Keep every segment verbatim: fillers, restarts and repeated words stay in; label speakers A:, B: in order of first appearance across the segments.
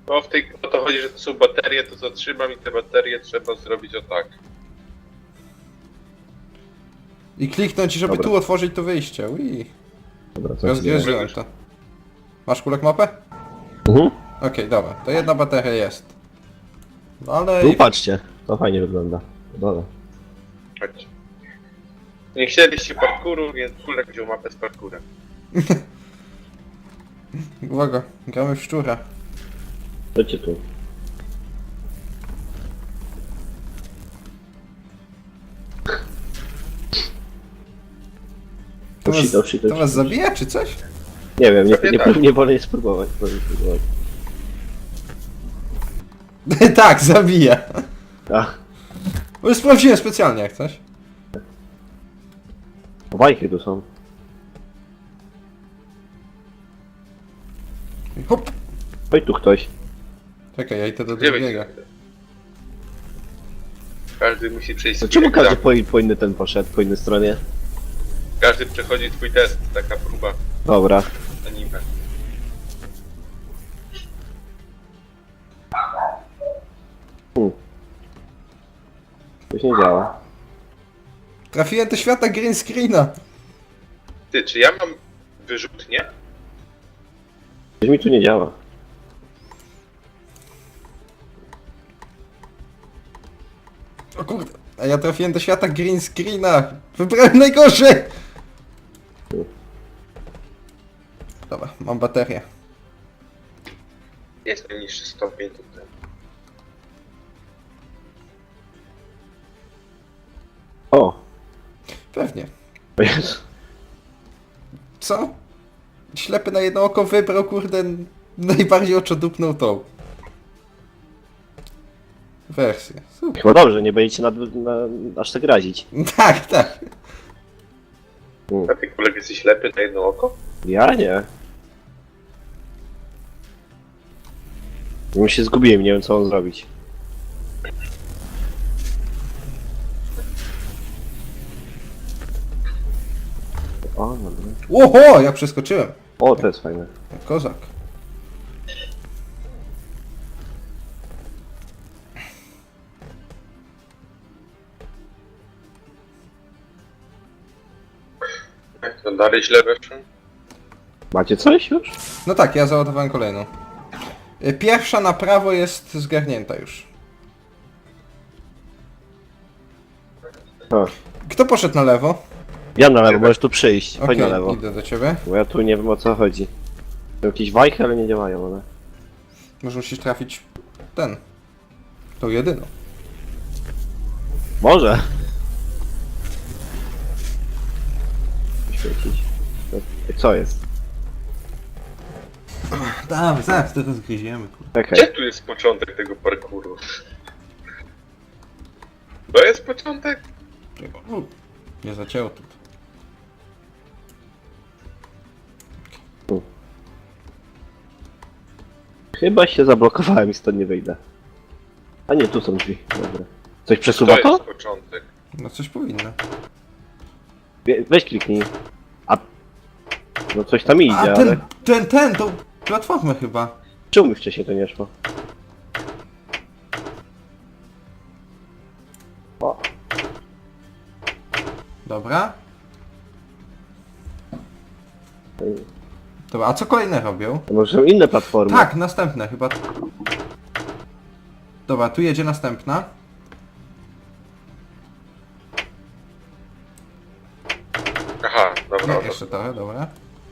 A: No w tej, o to chodzi, że to są baterie, to co trzymam i te baterie trzeba zrobić o tak.
B: I kliknąć, żeby
C: Dobra.
B: tu otworzyć to wyjście. Ui.
C: Dobra, co się dzieje?
B: Rozgryzłem to. Masz kulek mapę?
C: Mhm.
B: Okej, dobra. To jedna bateria jest. No ale...
C: Tu patrzcie, to fajnie wygląda. Dobra.
A: Chodź. Nie chcieliście parkouru, więc Kulek wziął mapę z parkurem.
B: Uwaga, gramy w szczura.
C: Chodźcie tu.
B: To
C: Oh
B: was,
C: shit, oh shit, oh
B: to was
C: shit.
B: zabija czy coś?
C: Nie wiem, nie,
A: Prawie
C: nie,
A: tak.
C: nie, nie wolę spróbować. Wolę spróbować.
B: Tak, zabija.
C: Ach,
B: Bo sprawdziłem specjalnie jak coś.
C: bajki tu są.
B: Hop.
C: Chodź tu ktoś.
B: Czekaj, ja idę do
A: Gdzie
B: drugiego.
A: wyjdziecie? Każdy musi przejść
C: To
A: swój
C: czemu każdy
A: egzamin.
C: po, po inny ten poszedł, po innej stronie?
A: Każdy przechodzi swój test, taka próba
C: Dobra.
A: anime.
C: Hmm. To się nie działa.
B: Trafiłem do świata green screena.
A: Ty, czy ja mam wyrzutnię?
C: Coś mi tu nie działa.
B: O kurde. A ja trafiłem do świata green screena. Wybrałem najgorzej. Dobra, mam baterię.
A: Jest najniższy stopień tutaj.
C: O!
B: Pewnie.
C: O Jezu.
B: Co? Ślepy na jedno oko wybrał, kurde, najbardziej oczodupną tą wersję. Super.
C: Chyba dobrze, nie będziecie nad, na, aż tak razić.
B: Tak, tak.
A: A ty Kulek jesteś ślepy na jedno oko?
C: Ja nie. Już się zgubiłem, nie wiem co mam zrobić. O, no, no.
B: Oho, jak przeskoczyłem.
C: O, to jest fajne.
B: Kozak.
A: Jak to dalej źle weszło?
C: Macie coś już?
B: No tak, ja załadowałem kolejną. Y, Pierwsza na prawo jest zgarnięta już.
C: A.
B: Kto poszedł na lewo?
C: Ja na lewo, możesz tu przyjść. Chodź
B: Okej,
C: na lewo.
B: idę do ciebie.
C: Bo ja tu nie wiem o co chodzi. Są jakieś wajchy, ale nie działają one.
B: Może musisz trafić ten. Tą jedyną.
C: Może! Świecić. Co jest?
B: Damy, zaraz to rozgryziemy.
C: Okej.
A: Gdzie tu jest początek tego parkouru? To jest początek?
B: Nie zacięło tu.
C: Chyba się zablokowałem i stąd nie wyjdę. A nie, tu są drzwi. Dobra. Coś
A: To
C: przesuwa to?
A: jest początek.
B: No coś powinno.
C: Wie- Weź kliknij. A... No coś tam idzie,
B: A
C: ale...
B: ten, ten, ten, tą platformę chyba.
C: Czemu mi wcześniej to nie szło? O,
B: Dobra. Dobra, a co kolejne robią?
C: to może są inne platformy.
B: Tak, następne chyba. Dobra, tu jedzie następna.
A: Aha, dobra.
B: Nie,
A: dobra.
B: jeszcze trochę, dobra.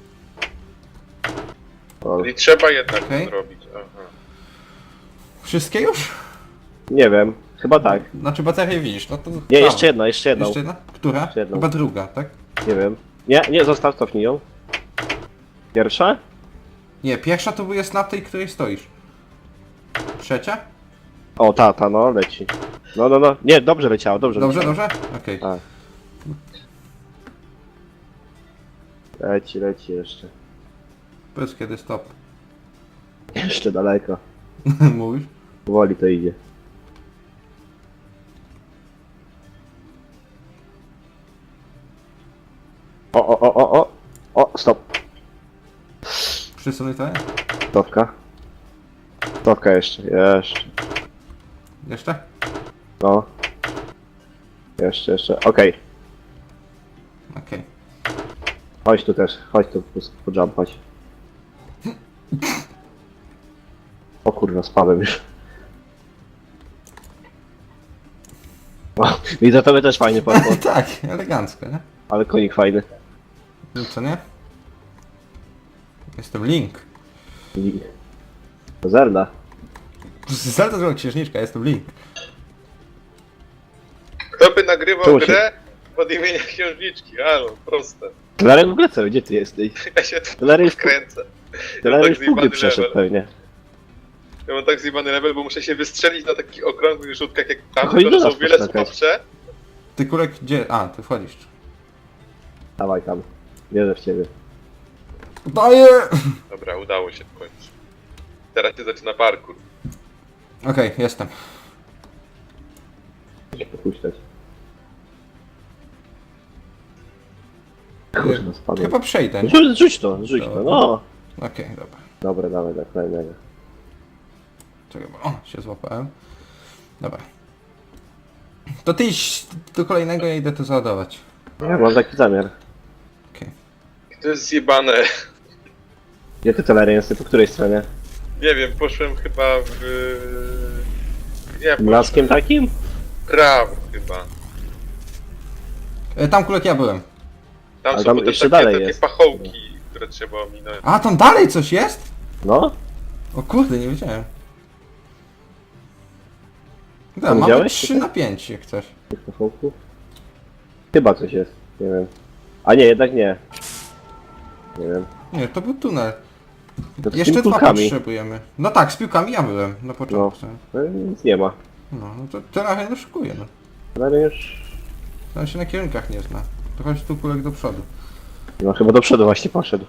C: O,
A: Czyli trzeba jednak
B: Okej.
A: to zrobić. Aha.
B: Wszystkie już?
C: nie wiem, chyba tak.
B: Znaczy baterię widzisz, no to...
C: Nie,
B: tam.
C: jeszcze jedna, jeszcze jedna.
B: Jeszcze jedna? Która?
C: Jeszcze jedną.
B: Chyba druga, tak?
C: Nie wiem. Nie, nie, zostaw, cofnij ją. Pierwsza?
B: Nie, pierwsza to jest na tej, której stoisz. Trzecia?
C: O, ta, ta, no, leci. No, no, no. Nie, dobrze leciało, dobrze
B: Dobrze,
C: leciało.
B: dobrze? Okej.
C: Tak. Leci, leci jeszcze.
B: Powiedz kiedy stop.
C: Jeszcze daleko.
B: Mówisz?
C: Powoli to idzie. O, o, o, o, o! O, stop.
B: Przesunuj to?
C: Stopka. Stopka jeszcze, jeszcze.
B: Jeszcze?
C: No. Jeszcze, jeszcze. Okej.
B: Okej.
C: Chodź tu też, chodź tu po, po jump, chodź. O kurwa, spadłem już. O, i za tobie też fajny parkour,
B: Tak, elegancko, nie?
C: ale konik fajny.
B: No co nie? Jestem Link.
C: I... Zelda.
B: Zelda zrobiła księżniczka, jestem Link.
A: Kto by nagrywał
C: Czemu się-
A: grę pod imienia księżniczki? Halo, proste.
C: Telarek w ogóle co? Gdzie ty jesteś?
A: Ja się tu
C: Telarek w,
A: kręcę.
C: Telarek
A: tak
C: w pugry
A: zjebany
C: przeszedł
A: level.
C: pewnie.
A: Ja mam tak zjebany level, bo muszę się wystrzelić na takich okrągłych rzutkach jak tam,
C: Chodź do
A: które są
C: nas
A: o wiele
C: poskakać.
A: słabsze.
B: Ty Kulek gdzie? A, ty wchodzisz.
C: Dawaj tam. Wierzę w ciebie.
B: Daję!
A: Dobra, udało się w końcu. Teraz się zaczyna parkour.
B: Okej, jestem.
C: Muszę popuścić. Kurwa, spadłem.
B: Chyba przejdę. nie?
C: Rzuć, rzuć to, rzuć to, no.
B: Okej, dobra.
C: Dobra, dawaj, tak, kolejnego.
B: Czekaj, bo... O, się złapałem. Dobra. To ty idź do kolejnego, ja idę to załadować.
C: Ja mam taki zamiar.
B: Okej.
A: To jest zjebane.
C: Gdzie ty Telarek jesteś? Po której stronie?
A: Nie wiem, poszłem chyba w... Nie, poszłem
C: Blaskiem takim?
A: w prawo chyba.
B: E, Tam Kulek ja byłem.
A: Tam
C: A
A: są
C: tam
A: potem
C: jeszcze
A: takie,
C: dalej
A: takie
C: jest.
A: pachołki, które trzeba ominąć.
B: A, tam dalej coś jest?
C: No?
B: O kurde, nie wiedziałem. Dobra,
C: Tam
B: mamy
C: widziałeś
B: trzy
C: tutaj?
B: na pięć jak coś.
C: Tych pachołków? Chyba coś jest, nie wiem. A nie, jednak nie. Nie wiem.
B: Nie, to był tunel.
C: To z
B: Jeszcze
C: tymi
B: dwa
C: kulkami.
B: potrzebujemy. No tak, z piłkami ja byłem na początku.
C: No, nic nie ma.
B: No, no to teraz ja szykuję, no.
C: Telarek już...
B: Tam się na kierunkach nie zna. To chodź tu Kulek do przodu.
C: No chyba do przodu właśnie poszedł.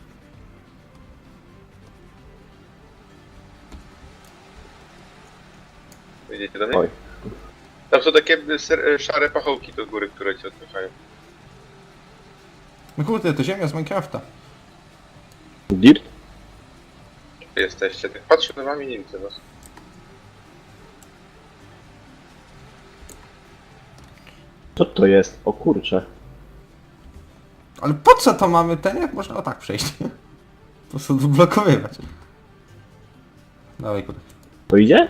A: Widzicie do mnie?
C: Oj.
A: Tam są takie ser- szare pachołki do góry, które cię odpychają.
B: No kurde, to ziemia z Minecrafta.
C: Dirt?
A: Gdzie jesteście? Tak patrzę na wami, nie widzę was.
C: Co to jest? O kurcze.
B: Ale po co to mamy ten, jak można o tak przejść? Po prostu blokowywać. Dawaj Kulek.
C: To idzie?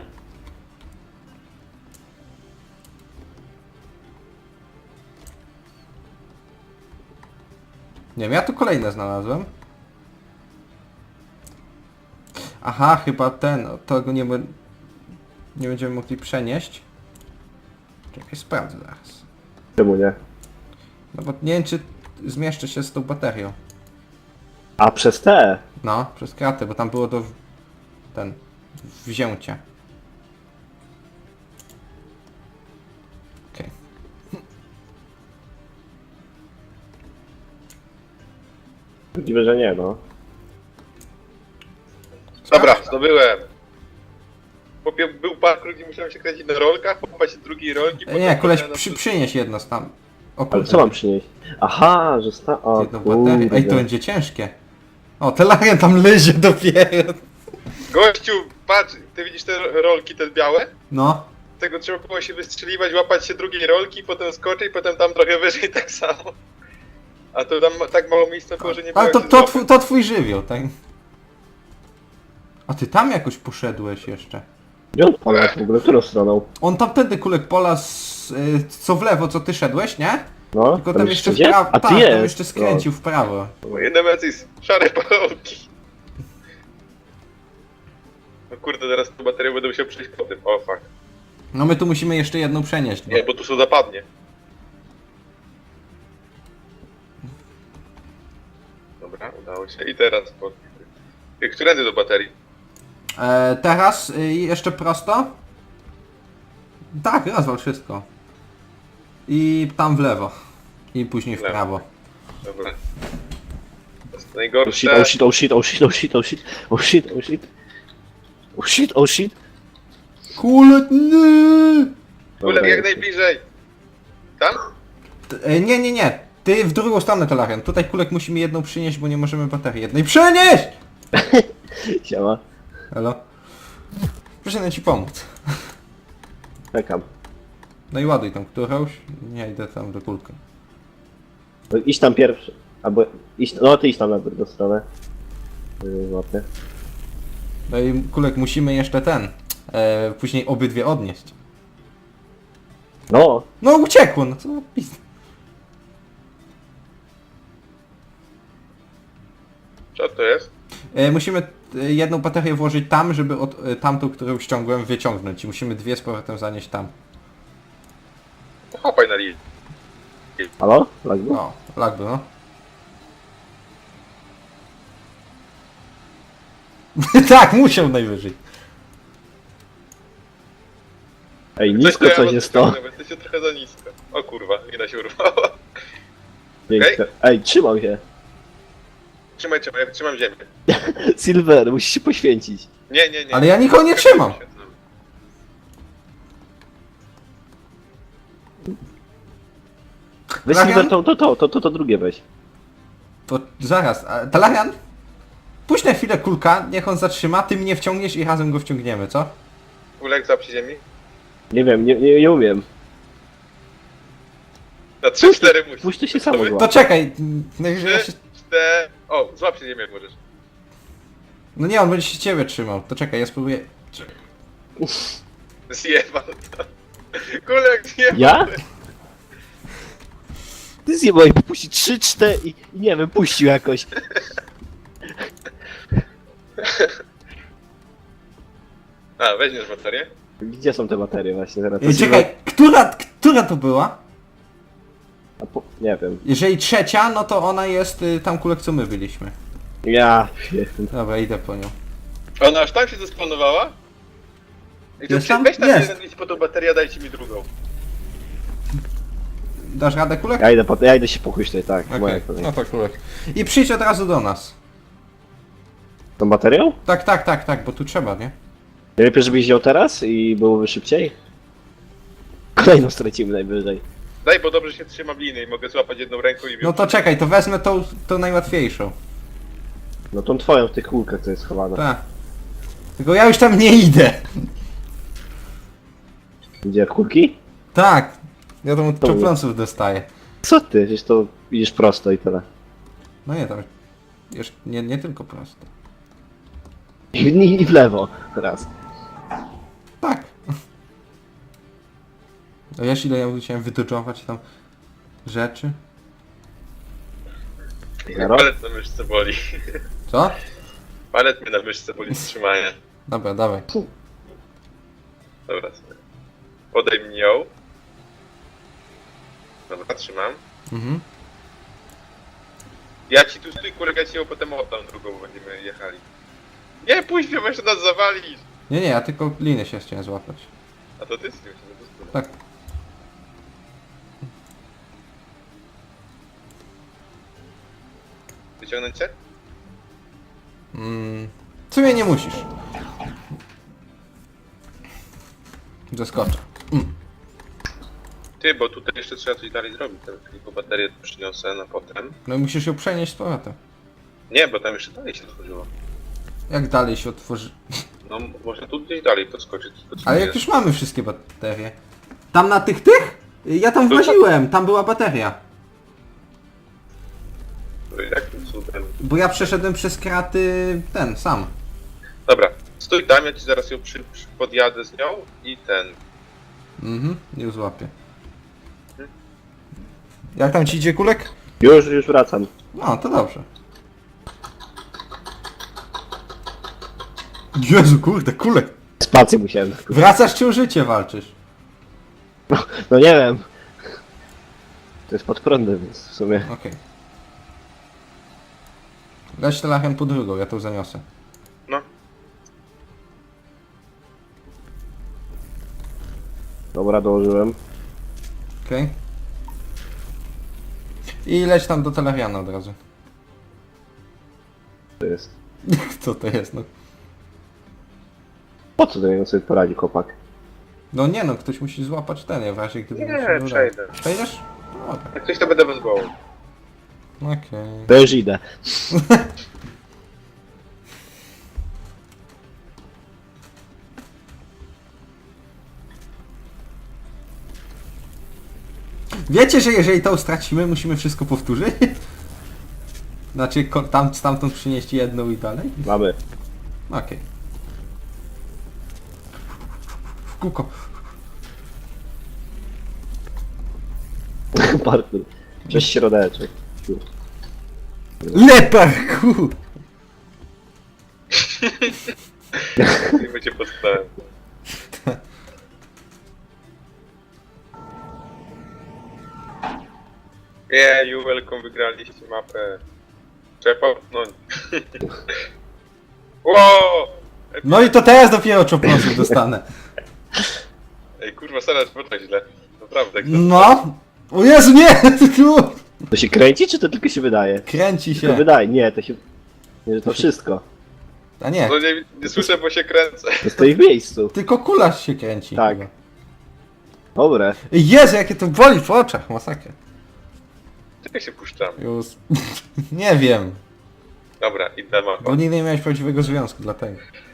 B: Nie wiem, ja tu kolejne znalazłem. Aha, chyba ten, o, tego nie, be- nie będziemy mogli przenieść. Czekaj, sprawdzę zaraz.
C: Czemu nie?
B: No bo nie wiem, czy zmieszczę się z tą baterią.
C: A przez te?
B: No, przez kratę, bo tam było do... w- ten... wzięcia. Okej.
C: Możliwe, że nie, no.
A: Dobra, zdobyłem. Chłopie, był parkour, gdzie musiałem się kręcić na rolkach, popać drugiej rolki,
B: E, Nie, koleś,
A: potem
B: przy, przynieś jedno z tam. O
C: Ale
B: kurde,
C: co mam przynieść? Aha, że sta... O
B: jedną baterię. Ej, to
C: kurde.
B: będzie ciężkie. O, Telarek tam lezie dopiero.
A: Gościu, patrz, ty widzisz te rolki, te białe?
B: No.
A: Z tego trzeba było się wystrzeliwać, łapać się drugiej rolki, potem skoczyć, potem tam trochę wyżej tak samo. A to tam tak mało miejsca było, że nie było
B: Ale
A: jak
B: to,
A: się
B: to,
A: złapać.
B: twój, to twój żywioł, tak? A ty tam jakoś poszedłeś jeszcze.
C: Gdzie on polał w ogóle? Którą stroną?
B: On tamtędy Kulek pola z, y, co w lewo, co ty szedłeś, nie?
C: No,
B: Tylko tam jeszcze w
C: gdzie?
B: prawo,
C: A
B: tak,
C: ty jest!
B: tam jeszcze skręcił w prawo.
A: Moje nemesis, szare pachołki. No kurde, teraz tą baterię będę musiał przejść po tym. O fuck.
B: No my tu musimy jeszcze jedną przenieść. Bo...
A: Nie, bo tu są zapadnie. Dobra, udało się. I teraz po... Którędy do baterii?
B: E, teraz y, jeszcze prosto. Tak, rozwal wszystko. I tam w lewo. I później w
A: W lewo.
B: prawo.
A: Dobra. To jest
C: Oh shit,
A: najgorsze.
C: oh shit, oh shit, oh shit, oh shit, oh shit, oh shit, oh shit. Oh shit, oh shit.
B: Kulek, nie!
A: Kulek jak najbliżej. Tam?
B: T- e, Nie, nie, nie. Ty w drugą stronę, Telarian. Tutaj Kulek musimy jedną przynieść, bo nie możemy baterii jednej przenieść!
C: Siema.
B: Halo? Przyszedłem ci pomóc.
C: Czekam.
B: No i ładuj tam którąś. Nie idę tam do kulka.
C: No, idź tam pierwszy. Albo iść, no ty idź tam na drugą stronę. Yy, Złapię.
B: No i kulek musimy jeszcze ten. E, później obydwie odnieść.
C: No,
B: No uciekło, no co za pizda.
A: Co to jest?
B: E, musimy e, jedną baterię włożyć tam, żeby od, e, tamtą, którą ściągłem, wyciągnąć. I musimy dwie z powrotem zanieść tam.
A: Chopaj na linii.
C: halo? Lagbu?
B: O, lag był, no. Tak, musiał najwyżej.
C: Ej, nisko
A: ja
C: coś
A: was
C: jest to.
A: wyciągnę, bo jesteście trochę za nisko. O kurwa, lina się urwała.
C: Piękne. Ej, trzymał się.
A: Trzymaj, trzymaj, ja trzymam ziemię.
C: Silver, musisz się poświęcić.
A: Nie, nie, nie.
B: Ale ja nikogo nie trzymam.
C: Weź
B: Lagian?
C: Silver to, to, to, to, to, to drugie weź.
B: To zaraz, a, Talarian? Puść na chwilę kulka, niech on zatrzyma, ty mnie wciągniesz i razem go wciągniemy, co?
A: Ulek za przy ziemi.
C: Nie wiem, nie, nie, nie umiem.
A: Na trzy cztery musisz.
C: Puść to się samo
B: To
C: złapie.
B: czekaj, najwyżej ja się...
A: trzy cztery O, złap się ziemię jak możesz.
B: No nie, on będzie się ciebie trzymał, to czekaj, ja spróbuję...
A: Zjebał to. Kulek zjebał.
C: Ja? Ty zjebałeś, puści trzy, cztery i i nie wiem, puścił jakoś.
A: A, weźmiesz baterię?
C: Gdzie są te baterie właśnie? Zaraz to
B: Ej, czekaj, która, która to była?
C: A po, nie wiem.
B: Jeżeli trzecia, no to ona jest y, tam kulek, co my byliśmy.
C: Ja wiem.
B: Dobra, idę po nią.
A: Ona aż tam się zespanowała? I to
B: Jest
A: przy-
B: tam?
A: weź tam
B: Jest.
A: jeden idź po tą baterię, dajcie mi drugą.
B: Dasz radę kulek?
C: Ja idę, po, ja idę się pochuśtać, tak.
B: Okej,
C: Moja kolej.
B: no to kulek. I przyjdź od razu do nas.
C: Tą baterią?
B: Tak, tak, tak, tak, bo tu trzeba, nie?
C: Nie lepiej, żebyś wziął teraz i byłoby szybciej? Kolejną stracimy najwyżej.
A: Daj, bo dobrze się trzymam liny i mogę złapać jedną ręką i
B: No to czekaj, to wezmę tą, tą najłatwiejszą.
C: No tą twoją w tych kulkach, co jest schowana.
B: Tak. Tylko ja już tam nie idę.
C: Gdzie, kulki?
B: Tak. Ja tam od
C: To-
B: czopląców dostaję.
C: Co ty? Przecież to idziesz prosto i tyle.
B: No nie, tam... Jeszcze, nie, nie tylko prosto.
C: I, i, i w lewo. Raz.
B: Tak. A wiesz ile ja musiałem wydoczować tam rzeczy?
C: Zero?
A: Palet na myszce boli.
B: Co?
A: Palet mnie na myszce boli z trzymania.
B: Dobra, dawaj.
A: Dobra, sobie. Podejmij ją. Dobra, trzymam.
B: Mhm.
A: Ja ci tu stój, kulek, ja ci ją potem oddam drugą, bo będziemy jechali. Nie, pójdź mnie, bo jeszcze nas zawalisz.
B: Nie, nie, ja tylko linę się chciałem złapać.
A: A to ty z tym się nie
B: Tak.
A: Wyciągnąć cię?
B: Mm. W sumie nie musisz. Zaskoczę. Mm.
A: Ty, bo tutaj jeszcze trzeba coś dalej zrobić. Tam tylko baterię przyniosę na potem.
B: No i musisz ją przenieść z powrotem.
A: Nie, bo tam jeszcze dalej się otworzyło.
B: Jak dalej się otworzy...
A: No, może tu gdzieś dalej podskoczyć. To co
B: Ale jak
A: jest?
B: już mamy wszystkie baterie. Tam na tych tych? Ja tam
A: To-
B: właziłem, tam była bateria.
A: Jakim cudem?
B: Bo ja przeszedłem przez kraty ten, sam.
A: Dobra, stój tam, ja ci zaraz ją przy, przy podjadę z nią i ten.
B: Mhm, już złapię. Jak tam ci idzie kulek?
C: Już, już wracam.
B: No, to dobrze. Jezu, kurde, kulek.
C: Spację musiałem.
B: Wracasz czy o życie walczysz?
C: No nie wiem. To jest pod prądem, więc w sumie.
B: Okej. Leć telachem po drugą, ja to zaniosę.
A: No,
C: Dobra, dołożyłem.
B: Okej. I leć tam do Teleriana od razu.
C: To jest.
B: Co to jest, no?
C: Po co do niego sobie poradzi chłopak?
B: No nie no, ktoś musi złapać ten, ja w razie gdyby...
A: Nie,
B: mi się udało.
A: przejdę.
B: Przejdziesz? No, Dobra.
A: jak coś to będę bez głowy.
B: Okej.
C: To już idę.
B: Wiecie, że jeżeli to stracimy, musimy wszystko powtórzyć? Znaczy, ko- tam, stamtąd przynieść jedną i dalej?
C: Mamy.
B: Okej. W kółko.
C: Parkour. Przez środeczek.
B: Leparku!
A: Nie będzie potknąłem. Yeah, you welcome, wygraliście mapę. Trzeba popchnąć. Wow!
B: No i to teraz dopiero czoplosów dostanę.
A: Ej, kurwa, Sara, było tak źle. Naprawdę. kto-
B: No! O Jezu, nie! Tu!
C: To się kręci, czy to tylko się wydaje?
B: Kręci
C: Tylko
B: się.
C: wydaje, nie, to się... Nie, że to wszystko.
B: A nie,
A: No nie, nie słyszę, bo się kręcę.
C: To stoi w miejscu.
B: tylko kula się kręci.
C: Tak.
B: chyba.
C: Dobre.
B: Jezu, jakie to boli w oczach, masakra.
A: Czekaj się puszczam.
B: Już. Nie wiem,
A: Dobra, idę mapą.
B: bo nigdy nie miałeś prawdziwego związku, dlatego.